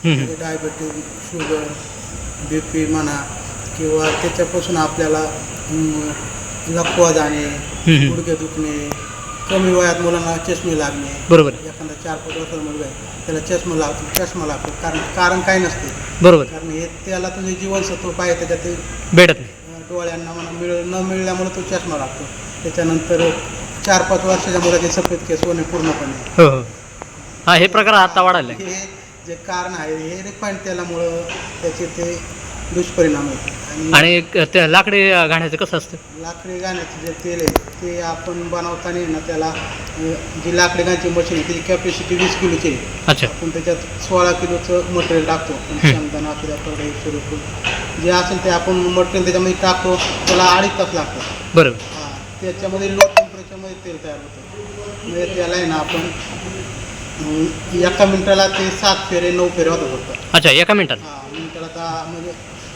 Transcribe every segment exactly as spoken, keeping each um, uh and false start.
म्हणजे diabetes, sugar, बी P म्हणा किंवा त्याच्यापासून आपल्याला अं, लकवा जाणे, गुडघे दुखणे, कमी वयात मुलांना चष्मे लागणे. बरोबर एखादा चार पाच वर्षाचा मुलगा आहे त्याला चष्मा लागतो चष्मा लागतो कारण कारण काय नसते. बरोबर कारण हे त्याला तुझे जीवनसत्व पाहिजे त्याच्यात ते भेटत नाही. अं, डोळ्यांना म्हणा मिळ न मिळाल्यामुळे तो चष्मा लागतो. त्याच्यानंतर चार पाच वर्षाच्या मुलाचे सफेद केस होणे पूर्णपणे. हो हो हां हे प्रकार आता वाढायला लागले. हे जे कारण आहे हे रिफाईंड तेलामुळं त्याचे ते दुष्परिणाम आहेत. आणि क- त्या लाकडी घाण्याचं कसं असतं? लाकडी गाण्याचं जे तेल आहे ते आपण बनवताना आहे ना त्याला अं, जी लाकडी गाण्याची मशीन आहे त्याची कॅपॅसिटी वीस किलोची आहे. अच्छा आपण त्याच्यात सोळा किलोचं मटेरियल टाकतो. शेंगदाणा किंवा करडई सूर्यफूल जे असेल ते आपण मटेरियल त्याच्यामध्ये टाकतो. त्याला अडीच तास लागतात. बरोबर हां त्याच्यामध्ये लो टेम्परेचरमध्ये तेल तयार होतं. म्हणजे त्याला आहे ना आपण अं, एका मिनिटाला ते सात फेरे नऊ फेरे होतात फक्त. अच्छा एका मिनिटात. हां मिनिटाला दहा म्हणजे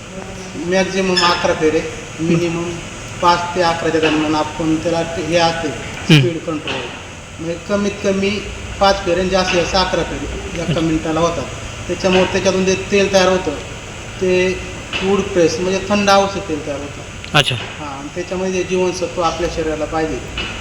मॅक्झिमम अकरा फेरे, मिनिमम पाच ते अकराच्या दरम्यान आपण त्याला ते- हे असते स्पीड कंट्रोल. म्हणजे कमीत कमी पाच फेरे आणि जास्तीत जास्त अकरा फेरे एका मिनिटाला होतात. त्याच्यामुळे त्याच्यातून जे तेल तयार होतं ते वूड प्रेस म्हणजे थंड आवश्यक तेल तयार होतं. अच्छा हां आणि त्याच्यामध्ये जे जीवनसत्व आपल्या शरीराला पाहिजे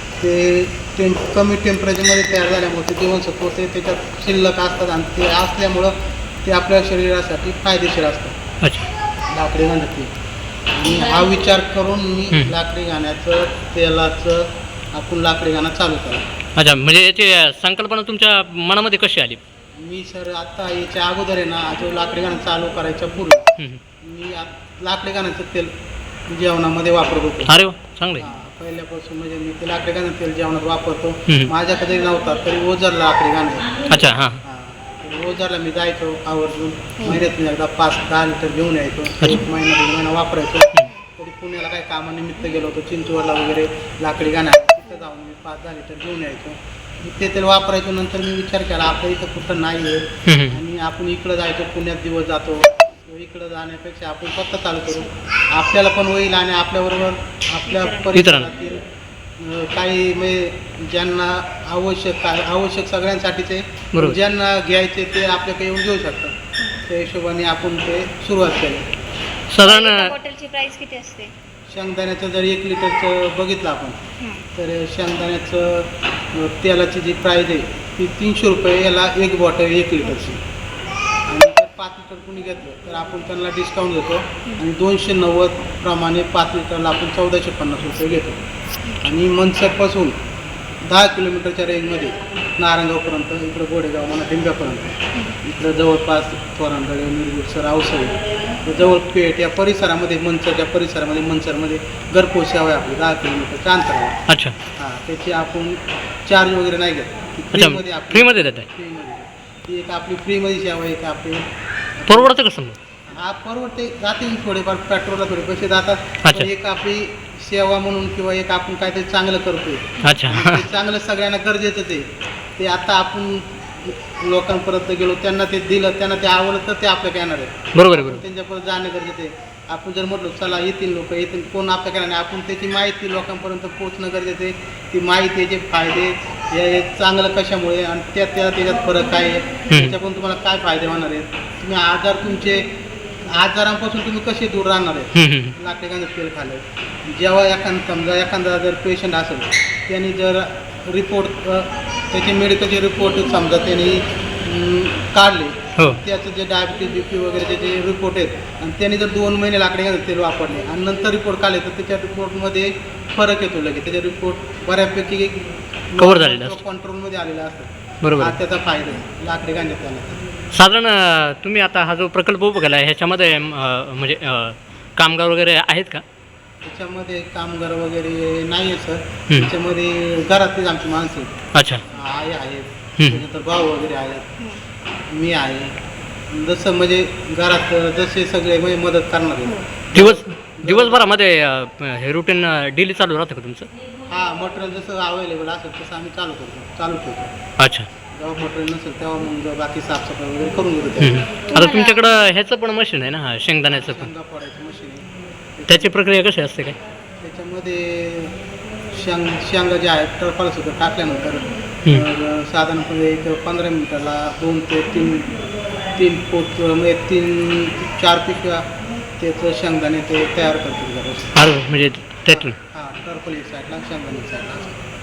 ते टेम्प कमी टेम्परेचरमध्ये तयार झाल्यामुळे ते जीवनसत्व ते त्याच्यात शिल्लक असतात आणि ते असल्यामुळं ते आपल्या शरीरासाठी फायदेशीर असतात. अच्छा लाकडी गाणं ते. आणि हा विचार करून मी हं. लाकडी गाण्याचं तेलाचं आपण लाकडी गाणं चालू केलं. अच्छा म्हणजे याची संकल्पना तुमच्या मनामध्ये कशी आली? मी सर आत्ता याच्या अगोदर आहे ना जो लाकडी गाणं चालू करायच्या पूर्वी हं, हं. मी आत- लाकडी गाण्याचं तेल जेवणामध्ये वापरत होतो. अरे वा चांगलं आहे. हां, पहिल्यापासून म्हणजे मी ते लाकडी गाणं तेल जेवणात वापरतो. हं. माझ्याकडे नव्हता तरी ओझर लाकडी गाणं आहे. अच्छा हां हां, तर ओझरला मी जायचो आवर्जून महिन्यातून एकदा पाच दहा लिटर घेऊन यायचो. एक महिना दोन महिना वापरायचो. तरी पुण्याला काही कामानिमित्त गेलो होतो चिंचवडला वगैरे लाकडी गाणं आहे तिथं जाऊन मी पाच दहा लिटर घेऊन यायचो. मी ते तेल वापरायचो. नंतर मी विचार केला आपल्या इथं कुठं नाही आहे हं, हं. आणि आपण इकडं जायचो पुण्यात दिवस जातो इकडं जाण्यापेक्षा आपण स्वतः चालू करू आपल्याला पण होईल आणि आपल्याबरोबर आपल्या परिसरातील अं, काही म्हणजे ज्यांना आवश्यक काय आवश्यक सगळ्यांसाठीच आहे बरोबर. ज्यांना घ्यायचे ते आपल्याकडे येऊन घेऊ शकतात. त्या हिशोबाने आपण ते सुरुवात केली. साधारण एका बॉटलची प्राइस किती असते? शेंगदाण्याचं जर एक लिटरचं बघितलं आपण हं. तर शेंगदाण्याचं अं, तेलाची जी प्राईज आहे ती तीनशे रुपये याला एक बॉटल एक लिटरची. आणि जर पाच लिटर कुणी घेतलं तर आपण त्यांना डिस्काउंट देतो आणि दोनशे नव्वद प्रमाणे पाच लिटरला आपण चौदाशे पन्नास रुपये घेतो. आणि मनसरपासून दहा किलोमीटरच्या रेंजमध्ये नारायणगावपर्यंत इकडं गोडेगाव म्हणा डिंब्यापर्यंत इकडं जवळपास तोरणगळे निरगुडसर औसळी तर जवळ पेठ या परिसरामध्ये मनसरच्या परिसरामध्ये मनसरमध्ये घरपोच सेवा आहे आपली दहा किलोमीटरच्या अंतरावर. अच्छा हां त्याची आपण चार्ज वगैरे नाही घेत फ्रीमध्ये अच्छा आपली फ्रीमध्ये देत आहे. फ्रीमध्ये ती एक आपली फ्रीमध्ये सेवा आहे का आपली परवडतं कसं मग? हा परवडते जातील थोडेफार पेट्रोलला थोडे पैसे जातात. अच्छा. पण एक आपली सेवा म्हणून किंवा एक आपण काहीतरी चांगलं करतोय अच्छा ते चांगलं सगळ्यांना गरजेचंच आहे. ते आता आपण लोकांपर्यंत गेलो त्यांना ते दिलं त्यांना ते आवडलं तर ते आपल्याकडे येणार आहे. बरोबर आहे बरोबर. त्यांच्यापर्यंत जाणं गरजेचं आहे. आपण जर म्हटलं चला येतील लोक येतील कोण आपल्याकडे नाही आपण त्याची माहिती लोकांपर्यंत पोहोचणं गरजेचं आहे. ती माहिती याचे फायदे हे चांगलं कशामुळे आणि त्या त्या त्याच्यात फरक काय आहे त्याच्याकडून तुम्हाला काय फायदे होणार आहेत तुम्ही आजार तुमचे आजारांपासून तुम्ही कसे दूर राहणार आहे. हं, हं. लाकडी गाणं तेल खाल्लं जेव्हा एखादा समजा एखादा जर पेशंट असेल त्यांनी जर रिपोर्ट त्याचे मेडिकलचे रिपोर्ट समजा त्यांनी अं, काढले हो त्याचं जे डायबिटीज बी पी वगैरे जे रिपोर्ट आहेत आणि त्यांनी जर दोन महिने लाकडी गाणं तेल वापरले आणि नंतर रिपोर्ट काढले तर त्याच्या रिपोर्टमध्ये फरक येतो लगेच त्याचे रिपोर्ट बऱ्यापैकी Cover झालेले असतात. कंट्रोलमध्ये आलेला असतात. बरोबर हा आहे. त्याचा फायदा आहे लाकडी गाणं त्याला. साधारण अं, तुम्ही आता हा जो प्रकल्प उभा केला आहे ह्याच्यामध्ये अं, म्हणजे अं, कामगार वगैरे आहेत का? त्याच्यामध्ये कामगार वगैरे नाही आहे सर. हं. त्याच्यामध्ये घरातलीच आमची माणसं आहेत. अच्छा आई आहेत हं. त्याच्यानंतर भाऊ वगैरे आहेत मी आहे जसं म्हणजे घरात जसे सगळे म्हणजे मदत करणार आहे. दिवस दिवसभरामध्ये अं, हे रुटीन डेली चालू राहतं का तुमचं? हा मटेरियल जसं अवेलेबल असेल तसं आम्ही चालू करतो चालू ठेवतो. अच्छा जेव्हा मटेरियल नसेल तेव्हा मग बाकी साफसफाई वगैरे करून घेतो. हं, हं. आता तुमच्याकडं ह्याचं पण मशीन आहे ना हा शेंगदाण्याचं पण शेंगा फोडायचं मशीन आहे. त्याची प्रक्रिया कशी असते काय? त्याच्यामध्ये शेंग शेंगा जे आहेत टरफाल सुद्धा टाकल्यानंतर हं. तर साधारणपणे एक पंधरा मिनिटाला दोन ते तीन तीन पोत म्हणजे तीन चार पिशव्या त्याचं शेंगदाणे ते तयार करतो जरा. अरे म्हणजे त्यातून हां टर्फल एक साईडला शेंगदाणे एक साईडला.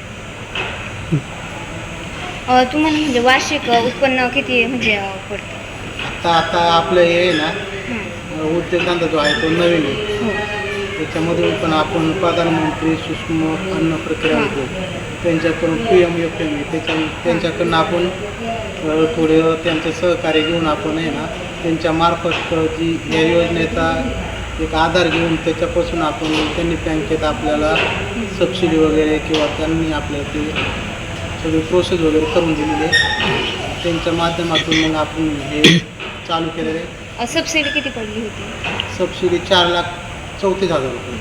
अ, तुम्हाला म्हणजे वार्षिक अ, उत्पन्न किती म्हणजे अ, पडतं? आता आता आपलं हे आहे ना हं. उद्योगधंदा जो आहे तो नवीन आहे. हो. त्याच्यामधून पण आपण प्रधानमंत्री सूक्ष्म अन्न प्रक्रिया उद्योग त्यांच्याकडून पी एम एफ एम त्याच्या त्यांच्याकडून आपण अ, थोडे त्यांचं सहकार्य घेऊन आपण आहे ना त्यांच्या मार्फत जी या योजनेचा एक आधार घेऊन त्याच्यापासून आपण त्यांनी बँकेत आपल्याला सबसिडी वगैरे किंवा त्यांनी आपल्याला ते सगळी प्रोसेस वगैरे करून दिलेली आहे. त्यांच्या माध्यमातून मग आपण हे चालू केलेलं आहे. अ, सबसिडी किती पडली होती? सबसिडी चार लाख चौतीस हजार रुपये.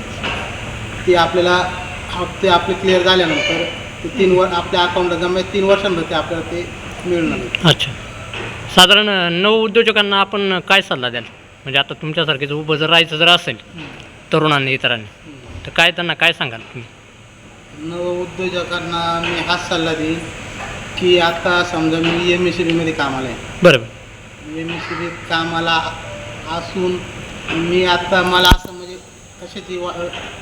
ती आपल्याला हप्ते आपले क्लिअर झाल्यानंतर ते तीन वर आपल्या अकाउंटला जमा तीन वर्षांमध्ये ते आपल्याला ते मिळणार आहे. अच्छा. साधारण नव उद्योजकांना आपण काय सल्ला द्याल? म्हणजे आता तुमच्यासारखेच उभं जर राहायचं जर असेल तरुणांनी इतरांनी तर काय त्यांना काय सांगाल तुम्ही? नव उद्योजकांना मी हाच सल्ला देईन की आता समजा मी एम एस सी बीमध्ये कामाला आहे. बरोबर. एम एस सी बी कामाला असून मी आता मला असं म्हणजे कशाची वा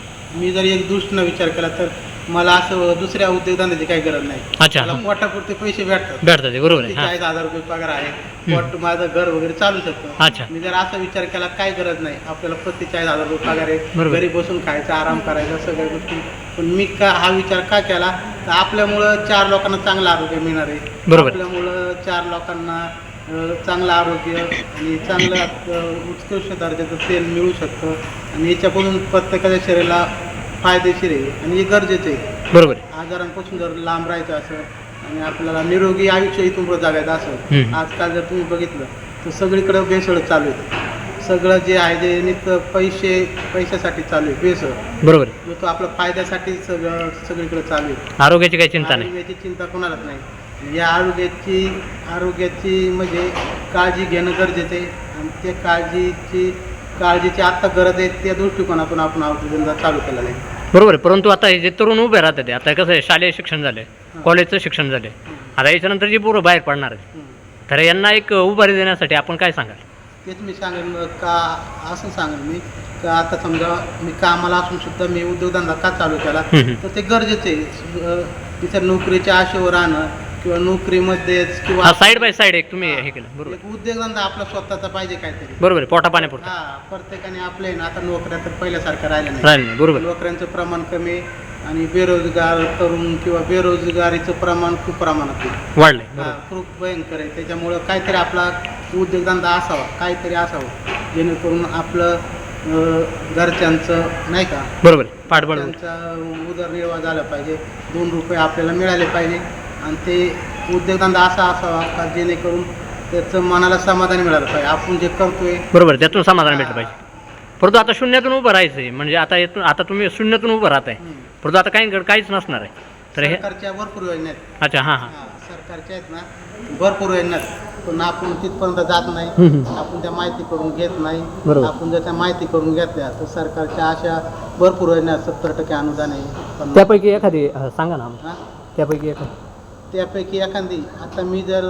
मी जर एक दृष्टीनं विचार केला तर मला असं दुसऱ्या उद्योगधंद्याची काही गरज नाही. अच्छा. मला पोटापुरते पैसे भेटतात. भेटतात ते बरोबर आहे. हां. चाळीस हजार रुपये पगार आहे. पोट माझं घर वगैरे चालू शकतं. अच्छा. मी जर असा विचार केला काय गरज नाही आपल्याला प्रति चाळीस हजार रुपये पगार आहे. बरोबर. घरी बसून खायचं आराम करायचा सगळ्या गोष्टी. पण मी का हा विचार का केला तर आपल्यामुळं चार लोकांना चांगलं आरोग्य मिळणार आहे. बरोबर. आपल्यामुळं चार लोकांना अ, चांगलं आरोग्य आणि चांगलं अ, उत्कृष्ट दर्जाचं तेल मिळू शकतं आणि याच्यापासून प्रत्येकाच्या शरीराला फायदेशीर आहे आणि हे गरजेचं आहे. बरोबर आहे. आजारांपासून जर लांब राहायचं असेल आणि आपल्याला निरोगी आयुष्य इथून पुढे जगायचं असेल हम्म. आजकाल जर तुम्ही बघितलं तर सगळीकडे भेसळ चालू आहे. सगळं जे आहे जे नित्य पैसे पैशासाठी चालू आहे भेसळ. बरोबर आहे. जो तो आपल्या फायद्यासाठी सगळं सगळीकडे चालू आहे. आरोग्याची काही चिंता नाही. आरोग्याची चिंता कोणालाच नाही. या आरोग्याची आरोग्याची म्हणजे काळजी घेणं गरजेचं आहे आणि त्या काळजीची काळजीची आत्ता गरज आहे त्या दृष्टिकोनातून आपण औषधधंदा चालू केलेला आहे. बरोबर आहे. परंतु आता हे जे तरुण उभे राहतात ते आता कसं आहे शालेय शिक्षण झाले कॉलेजचं शिक्षण झाले आता याच्यानंतर जी पोरं बाहेर पडणार आहेत हम्म. तर यांना एक उभारी देण्यासाठी आपण काय सांगाल? तेच मी सांगेन का असं सांगेन मी का आता समजा मी कामाला असून सुद्धा मी उद्योगधंदा का चालू केला हम्म. तर ते गरजेचं आहे. अ, तिथं नोकरीच्या आशेवर राहणं किंवा नोकरीमध्येच किंवा हा साईड बाय साईड एक तुम्ही हे केलं बरोबर एक उद्योगधंदा आपला स्वतःचा पाहिजे काहीतरी. बरोबर आहे. पोटा पाण्यापुरतं हा प्रत्येकाने आपले ना आता नोकऱ्या तर पहिल्यासारखं राहिलं नाही. राहिलं नाही. बरोबर आहे. नोकऱ्यांचं प्रमाण कमी आहे आणि बेरोजगार तरुण किंवा बेरोजगारीचं प्रमाण खूप प्रमाणात आहे. वाढलंय. हा, बरोबर. खूप भयंकर आहे. त्याच्यामुळं काहीतरी आपला उद्योगधंदा असावा काहीतरी असावं जेणेकरून आपलं अं, घरच्यांचं नाही का बरोबर आहे. पाठबळ त्यांचा उदरनिर्वाह झाला पाहिजे. दोन रुपये आपल्याला मिळाले पाहिजे आणि ते उद्योगधंदा असा असावा का जेणेकरून त्याचं मनाला समाधान मिळालं पाहिजे. आपण जे करतोय बरोबर आहे. त्यातून समाधान भेटलं पाहिजे. परंतु आता शून्यातून उभं राहायचं आहे म्हणजे आता येतून आता तुम्ही शून्यातून उभं राहत आहे परंतु आता काही काहीच नसणार आहे तर हे सरकारच्या भरपूर योजना आहेत. अच्छा. हां हां. हा, सरकारच्या आहेत ना भरपूर योजना आहेत पण आपण तिथपर्यंत जात नाही. हम्म. आपण त्या माहिती करून घेत नाही. बरोबर. आपण जर त्या माहिती करून घेतल्या तर सरकारच्या अशा भरपूर योजना आहेत. सत्तर टक्के अनुदान आहे पण त्यापैकी एखादी अं, सांगा ना आम्हाला. हा, त्यापैकी एखादी. त्यापैकी एखादी आता मी जर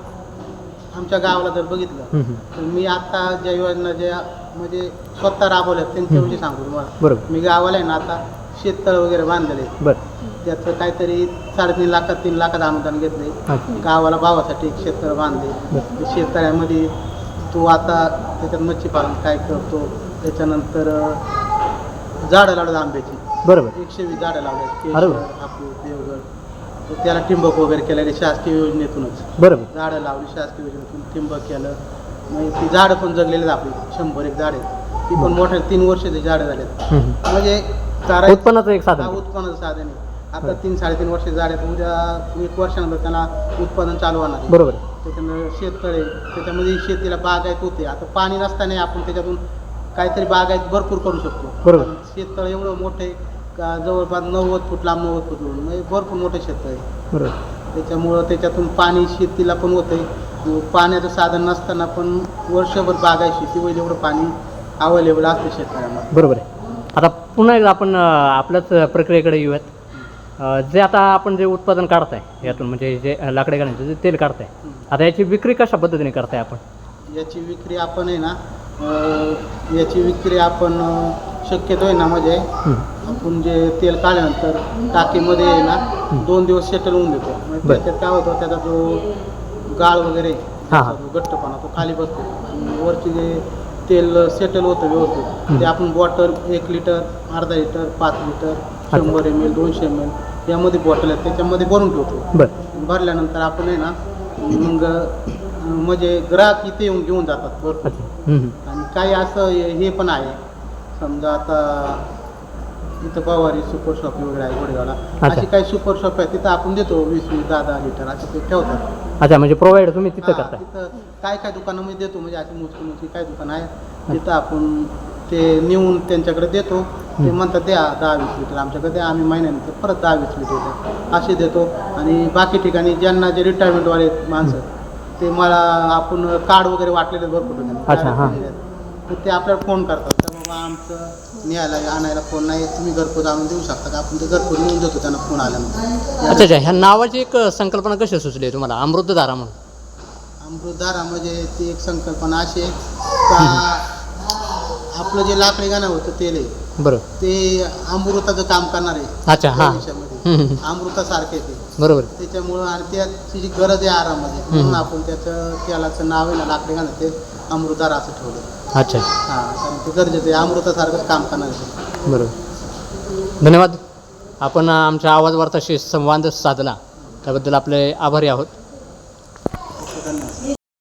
आमच्या गावाला जर बघितलं हम्म, हम्म. तर मी आता ज्या योजना ज्या म्हणजे स्वतः राबवल्या त्यांच्याविषयी सांगू तुम्हाला. बरोबर. मी गावाला आहे ना आता शेततळ वगैरे बांधलेले बरं. त्याचं काहीतरी साडेतीन लाखात तीन लाखात अनुदान घेतले. अच्छा. गावाला भावासाठी एक शेततळ बांधले. बरं. त्या शेततळ्यामध्ये तो आता त्याच्यात मच्छी पालन काय करतो त्याच्यानंतर अं, झाडं लावलं आंब्याची बरोबर. एकशे वीस झाडं लावले अरे वा. केशर हापूस देवगड तर त्याला ठिंबक वगैरे केलेले शासकीय योजनेतूनच बरोबर. झाडं लावली शासकीय योजनेतून ठिंबक केलं. मग ती झाडं पण जगलेली आहेत आपली शंभर एक झाडे ती पण मोठ्या तीन वर्षाची झाडं झालेत हम्म, हम्म. म्हणजे चारा उत्पन्नाचं एक हा, साधन. उत्पन्नाचं साधन आहे. आता तीन साडेतीन वर्ष झाले उद्या एक वर्षानंतर त्यांना उत्पादन चालू होणार आहे. बरोबर. त्याच्यानं शेततळे त्याच्यामध्ये शेतीला बागायत होते. आता पाणी नसताना आपण त्याच्यातून काहीतरी बागायत भरपूर करू शकतो. बरोबर. पण शेततळ एवढं मोठं आहे का जवळपास नव्वद फूट लांब नव्वद फूट लांब म्हणजे भरपूर मोठं शेततळ आहे. बरोबर. त्याच्यामुळं त्याच्यातून पाणी शेतीला पण होतं. पाण्याचं साधन नसताना पण वर्षभर बागायत शेती होईल एवढं पाणी अवेलेबल असतं शेतकऱ्यांना. बरोबर आहे. आता पुन्हा एकदा आपण अं, आपल्याच प्रक्रियेकडे येऊयात. अं, जे आता आपण जे उत्पादन काढताय यातून म्हणजे जे लाकडे घालण्याचं जे तेल काढताय आता याची विक्री कशा पद्धतीने करताय आपण? याची विक्री आपण आहे ना अं, याची विक्री आपण अं, शक्यतो आहे ना म्हणजे हं. आपण जे तेल काढल्यानंतर टाकीमध्ये आहे ना दोन दिवस सेटल होऊन देतो म्हणजे बरं. त्याच्यात काय होतं त्याचा जो गाळ वगैरे हां, हां. त्याचा जो घट्टपणा तो खाली बसतो आणि वरची जे तेल सेटल होतं व्यवस्थित ते आपण बॉटल एक लिटर अर्धा लिटर पाच लिटर शंभर एम एल दोनशे एम एल यामध्ये बॉटल आहेत त्याच्यामध्ये भरून ठेवतो. बरं. भरल्यानंतर आपण आहे ना मग अं, म्हणजे ग्राहक इथे येऊन घेऊन जातात भरपूर. अच्छा. हं, हं. आणि काही असं हे हे पण आहे समजा आता इथं पवारी सुपर शॉप वगैरे आहे गोडेगावला अच्छा. अशी काही सुपर शॉप आहे तिथं आपण देतो वीस वीस दहा दहा लिटर असं ते ठेवतात. अच्छा, म्हणजे प्रोव्हाइड तुम्ही तिथं हा, करताय. तिथं काय काय दुकानामध्ये देतो म्हणजे अशी मोजकी मोजकी काय दुकान आहे तिथं आपण ते नेऊन त्यांच्याकडे देतो ते म्हणतात द्या दहा वीस लिटर आमच्याकडे द्या आम्ही महिन्याने ते परत दहा वीस लिटर द्या असे देतो. आणि बाकी ठिकाणी ज्यांना जे रिटायरमेंटवाले माणसं ते मला आपण कार्ड वगैरे वाटलेले भरपूर ठिकाणी अच्छा, हां. तर ते आपल्याला फोन करतात तर बाबा आमचं न्यायला आणायला फोन नाही तुम्ही घरपोच आणून देऊ शकता का आपण ते घरपोच नेऊन देतो त्यांना फोन आल्यानंतर. अच्छा अच्छा, ह्या नावाची एक संकल्पना कशी सुचली आहे तुम्हाला अमृतधारा म्हणून? अमृतधारा म्हणजे ती एक संकल्पना अशी आहे का आपलं जे लाकडी गाणं होतं तेल आहे बरं. ते अमृताचं काम करणार आहे अच्छा, हां. देशामध्ये हं, हं. अमृतासारखे ते बरोबर. त्याच्यामुळं आणि त्याची जी गरज आहे आरामध्ये म्हणून आपण त्याचं तेलाचं नाव आहे ना लाकडी गाणं ते अमृतधारा असं ठेवलं. अच्छा. हां कारण ते गरजेचं आहे अमृतासारखंच काम करणार आहे. बरोबर. धन्यवाद. आपण आमच्या आवाज वार्ताशी संवाद साधला त्याबद्दल आपले आभारी आहोत.